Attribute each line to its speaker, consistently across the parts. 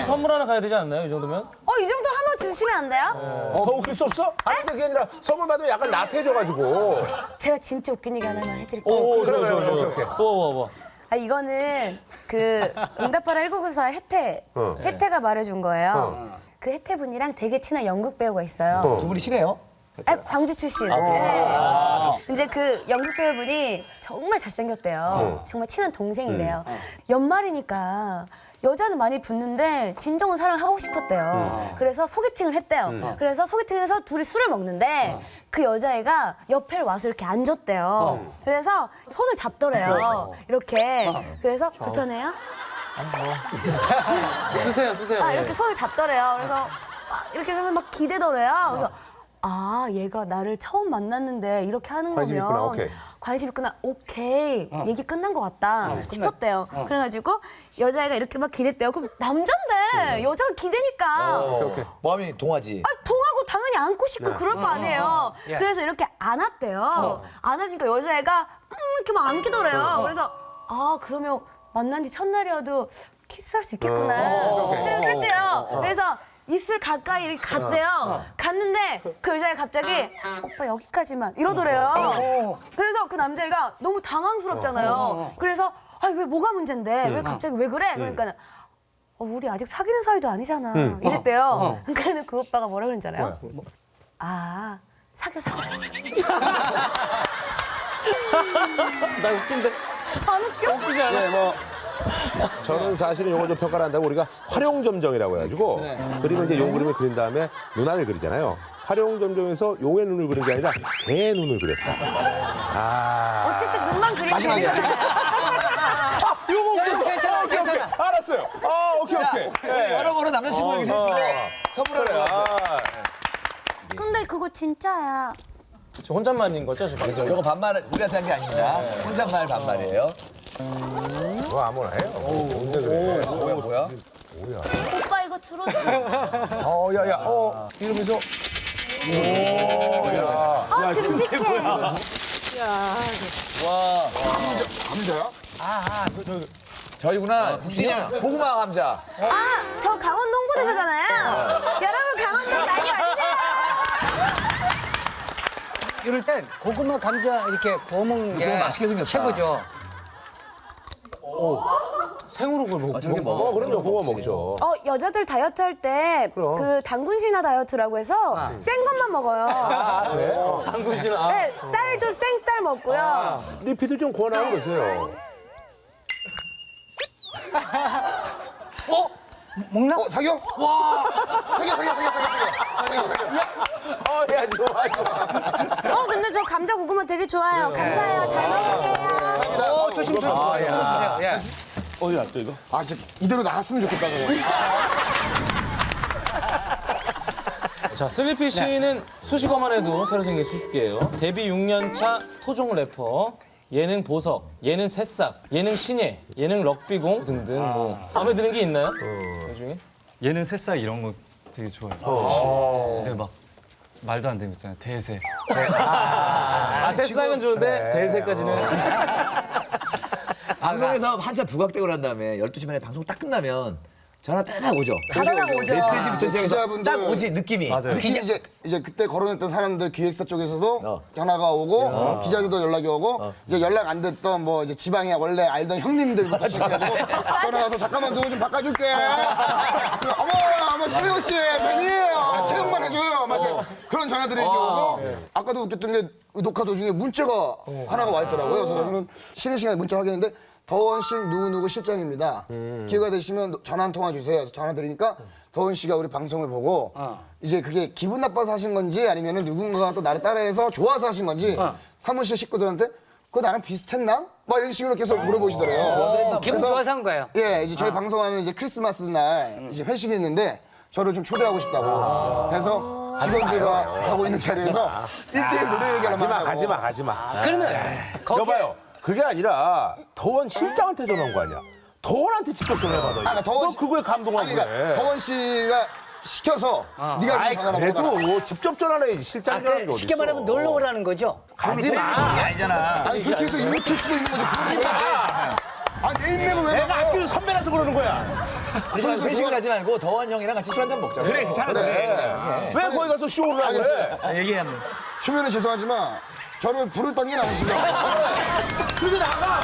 Speaker 1: 선물 하나 가야 되지 않나요? 이 정도면?
Speaker 2: 이 정도 한번 주시면 안 돼요?
Speaker 3: 더 웃길 수 없어? 아니 근데 그게 아니라 선물 받으면 약간 나태해져가지고.
Speaker 2: 제가 진짜 웃긴 얘기 하나만 해드릴게요.
Speaker 1: 오,
Speaker 3: 그래,
Speaker 1: 좋아, 좋아,
Speaker 3: 오케이,
Speaker 1: 좋아.
Speaker 3: 오케이.
Speaker 1: 뭐.
Speaker 2: 이거는 그 응답하라 1994 혜태가 말해준 거예요. 그 혜태분이랑 되게 친한 연극 배우가 있어요.
Speaker 4: 두 분이 친해요?
Speaker 2: 광주 출신. 네. 이제 그 연극 배우분이 정말 잘생겼대요. 정말 친한 동생이래요. 연말이니까 여자는 많이 붙는데 진정은 사랑하고 싶었대요. 그래서 소개팅을 했대요. 그래서 소개팅에서 둘이 술을 먹는데 그 여자애가 옆에 와서 이렇게 앉았대요. 그래서 손을 잡더래요. 이렇게. 그래서 불편해요?
Speaker 1: 쓰세요.
Speaker 2: 이렇게 손을 잡더래요. 그래서 이렇게 하면 막 기대더래요. 그래서 얘가 나를 처음 만났는데 이렇게 하는
Speaker 3: 관심
Speaker 2: 거면
Speaker 3: 있구나, 오케이.
Speaker 2: 관심 있구나. 오케이. 얘기 끝난 것 같다 싶었대요. 그래가지고 여자애가 이렇게 막 기댔대요. 그럼 남잔데 여자가 기대니까
Speaker 4: 마음이 동하지.
Speaker 2: 통하고 당연히 안고 싶고 그럴 거 아니에요. 그래서 이렇게 안았대요. 안으니까 여자애가 이렇게 막 안기더래요. 그래서 그러면 만난 지 첫날이어도 키스할 수 있겠구나 생각했대요. 그래서 입술 가까이 이렇게 갔대요. 갔는데 그 여자애가 갑자기 오빠 여기까지만 이러더래요. 그래서 그 남자애가 너무 당황스럽잖아요. 그래서 왜 뭐가 문제인데 왜 갑자기 왜 그래? 그러니까 우리 아직 사귀는 사이도 아니잖아 이랬대요. 그러니까 그 오빠가 뭐라 그러는지 알아요? 사겨.
Speaker 1: 나 웃긴데.
Speaker 2: 안 웃겨?
Speaker 1: 웃기지 않아?
Speaker 3: 네, 뭐 저는 사실은 요걸 좀 평가를 한다고 우리가 활용점정이라고 해가지고 그림은 이제 용 그림을 그린 다음에 눈알을 그리잖아요. 활용점정에서 용의 눈을 그린 게 아니라 개의 눈을 그렸다.
Speaker 2: 어쨌든 눈만 그리면 되는 거잖아요.
Speaker 3: 요거 오케이. 알았어요. 오케이. 네.
Speaker 4: 여러모로 남자친구에게 선물하래요.
Speaker 2: 근데 그거 진짜야.
Speaker 1: 저 혼잣말인 거죠, 지금?
Speaker 4: 이거 반말 우리한테 한 게 아닙니다. 혼잣말 반말이에요.
Speaker 3: 뭐 아무나 해요. 언제 그래?
Speaker 4: 뭐야?
Speaker 2: 오빠 이거 들어줘.
Speaker 3: 이러면서
Speaker 2: 듬직해.
Speaker 4: 감자야? 저희구나. 고구마 감자.
Speaker 2: 저 강원도 홍보대사잖아요. 여러분 강원도 많이 와주세요.
Speaker 5: 이럴 땐 고구마 감자 이렇게 구워 먹는 게
Speaker 4: 맛있게 생겼다.
Speaker 5: 최고죠.
Speaker 1: 생으로 그걸 먹고.
Speaker 4: 저렇게 먹어?
Speaker 3: 그럼요. 그거 먹죠.
Speaker 2: 여자들 다이어트 할 때 그 당군 신화 다이어트라고 해서 센 것만 먹어요.
Speaker 1: 당근 씨는
Speaker 2: 네, 쌀도 생쌀 먹고요.
Speaker 3: 리피드 좀 권하는 거세요.
Speaker 5: 먹나?
Speaker 4: 사겨? 사겨.
Speaker 3: 야, 좋아.
Speaker 2: 근데 저 감자 고구마 되게 좋아요. 감사해요. 잘 먹을게요.
Speaker 5: 조심. 드세요. 예.
Speaker 3: 어디 갔어 이거?
Speaker 4: 진짜 이대로 나갔으면 좋겠다.
Speaker 1: 자, 슬리피 씨는 수식어만 해도 새로 생긴 수줍기예요. 데뷔 6년 차 토종 래퍼, 예능 보석, 예능 새싹, 예능 신예, 예능 럭비공 등등 뭐 마음에 드는 게 있나요? 그 중에?
Speaker 6: 얘는 새싹 이런 거 되게 좋아해요. 근데 막 말도 안 되는 거 있잖아요. 대세.
Speaker 1: 새싹은 좋은데 대세까지는.
Speaker 4: 방송에서 한참 부각되고 난 다음에 12시 반에 방송 딱 끝나면 전화 딱 오죠.
Speaker 2: 가다가 오죠.
Speaker 4: 메시지부터 시작해서
Speaker 7: 기자분들
Speaker 4: 딱 오지 느낌이.
Speaker 6: 맞아요.
Speaker 7: 특히 이제 그때 거론했던 사람들 기획사 쪽에서도 전화가 오고 기자들도 연락이 오고 이제 연락 안 됐던 뭐 이제 지방에 원래 알던 형님들부터 시작해가지고 전화 와서 잠깐만 누구 좀 바꿔줄게. 어머 수영 씨 팬이에요. 채용만 해줘요. 맞아요. 그런 전화들이 이제 오고 아까도 웃겼던 게 녹화 도중에 문자가 하나가 와 있더라고요. 그래서 저는 쉬는 시간에 문자 확인했는데 더원실 누구누구 실장입니다. 기회가 되시면 전화 한 통화 주세요. 그래서 전화 드리니까 더원 씨가 우리 방송을 보고 이제 그게 기분 나빠서 하신 건지 아니면 누군가가 또 나를 따라해서 좋아서 하신 건지 사무실 식구들한테 그거 나랑 비슷했나? 막 이런 식으로 계속 물어보시더래요.
Speaker 5: 기분
Speaker 7: 그래서
Speaker 5: 좋아서 한 거예요.
Speaker 7: 예, 이제 저희 방송하는 이제 크리스마스 날 이제 회식이 있는데 저를 좀 초대하고 싶다고. 그래서 직원들과 하고 있는 자리에서 1대1 노래 얘기를
Speaker 3: 가지마.
Speaker 5: 그러면 거기에
Speaker 3: 여봐요. 그게 아니라 더원 실장한테 전화한 거 아니야? 더원한테 직접 전화해봐.
Speaker 7: 그러니까 더원 씨-
Speaker 3: 너 그거에 감동하고
Speaker 7: 아니, 그러니까
Speaker 3: 그래.
Speaker 7: 더원 씨가 시켜서 네가
Speaker 3: 아이
Speaker 7: 좀 전화를
Speaker 3: 그래도
Speaker 7: 해봐라.
Speaker 3: 직접 전화해야지 실장 전화하는 게 어딨어.
Speaker 5: 쉽게 말하면 놀러 오라는 거죠.
Speaker 3: 가지마.
Speaker 7: 아니 그렇게 해서 이웃일 수도 있는 거죠. 아니 내 인맥을 왜
Speaker 3: 내가
Speaker 7: 막아요?
Speaker 3: 아끼는 선배라서 그러는 거야.
Speaker 4: 우리 회식을 하지 말고 더원 형이랑 같이 술 한잔 먹자.
Speaker 3: 그래, 괜찮은데. 왜 거기 가서 쇼를 하고 그래?
Speaker 4: 얘기하면.
Speaker 7: 초면에 죄송하지만 저를 부를 당긴 아니시죠? 그게 나가!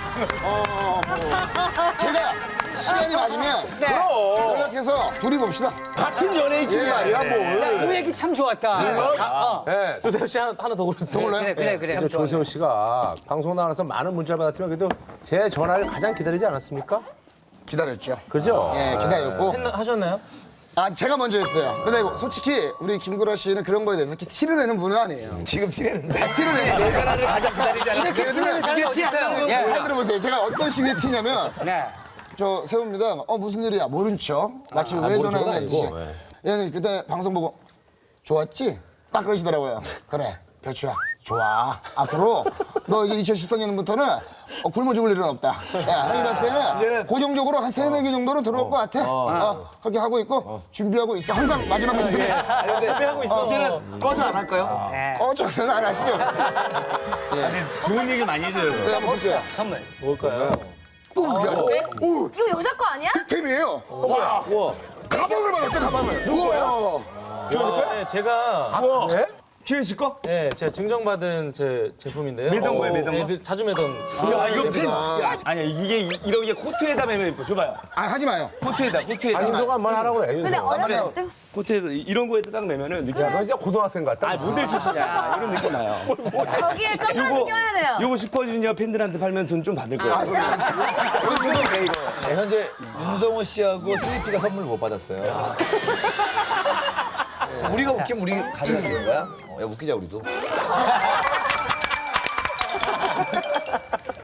Speaker 7: 제가 시간이 맞으면 연락해서 둘이 봅시다.
Speaker 3: 같은 연예인끼리 말이야, 뭘.
Speaker 5: 그 얘기 참 좋았다.
Speaker 3: 네.
Speaker 1: 조세호 씨 하나 더 고르세요.
Speaker 5: 그래. 참 좋아.
Speaker 3: 조세호 씨가 방송 나가서 많은 문자를 받았지만 그래도 제 전화를 가장 기다리지 않았습니까?
Speaker 7: 기다렸죠.
Speaker 3: 그죠?
Speaker 7: 예, 기다렸고.
Speaker 1: 하셨나요?
Speaker 7: 아, 제가 먼저 했어요. 근데 솔직히 우리 김구라 씨는 그런 거에 대해서 이렇게 티를 내는 분은 아니에요.
Speaker 4: 지금 티내는데.
Speaker 7: 티를 내는
Speaker 4: 내 전화를 가장 기다리지 않는
Speaker 5: 이렇게 티내는 사람이 어디 있어요?
Speaker 7: 잘 들어보세요. 제가 어떤 식의 티냐면
Speaker 5: 네.
Speaker 7: 저 세웁니다. 무슨 일이야? 모른 척. 마치 왜 전화했는지. 얘는 그때 방송 보고 좋았지? 딱 그러시더라고요. 그래, 별추야. 좋아. 앞으로 너 이제 2014년부터는 굶어 죽을 일은 없다. 야, 형이 봤을 때는 고정적으로 한 3-4개 정도는 들어올 것 같아. 그렇게 하고 있고 준비하고 있어. 항상 마지막 멘트.
Speaker 1: 준비하고 있어.
Speaker 4: 이제는 꺼져 안 할까요?
Speaker 7: 꺼져는 안 하시죠?
Speaker 4: 좋은 얘기 많이 해줘요.
Speaker 7: 네, 한번 볼게요.
Speaker 1: 뭘까요?
Speaker 7: 오,
Speaker 2: 이거 여자 거 아니야?
Speaker 7: 템이에요. 와, 가방을 받았어요, 가방을. 누구예요?
Speaker 1: 네, 제가
Speaker 4: 기회 씨 거?
Speaker 1: 네, 제가 증정받은 제 제품인데요.
Speaker 8: 매던 거예요, 매던 거?
Speaker 1: 네, 자주 매던.
Speaker 8: 야, 이거 펜. 아니야, 이게 이렇게 코트에다 매면 예뻐. 줘봐요.
Speaker 7: 아, 하지 마요.
Speaker 8: 코트에다.
Speaker 3: 안정가 한번 하라고 그래.
Speaker 2: 근데 어렸을 때
Speaker 8: 코트에다 이런 거에다 딱 매면은 느낌.
Speaker 3: 야, 너 이제 고등학생 같다.
Speaker 8: 아, 모델 출신이야. 이런 느낌 나요.
Speaker 2: 저기에 선글라스 껴야 돼요.
Speaker 8: 요거 슈퍼주니어 팬들한테 팔면 돈 좀 받을 거예요.
Speaker 4: 네, 현재 윤성호 씨하고 슬리피가 선물 못 받았어요. 우리가 웃기면 우리 가져다 주는 거야? 야, 웃기자, 우리도.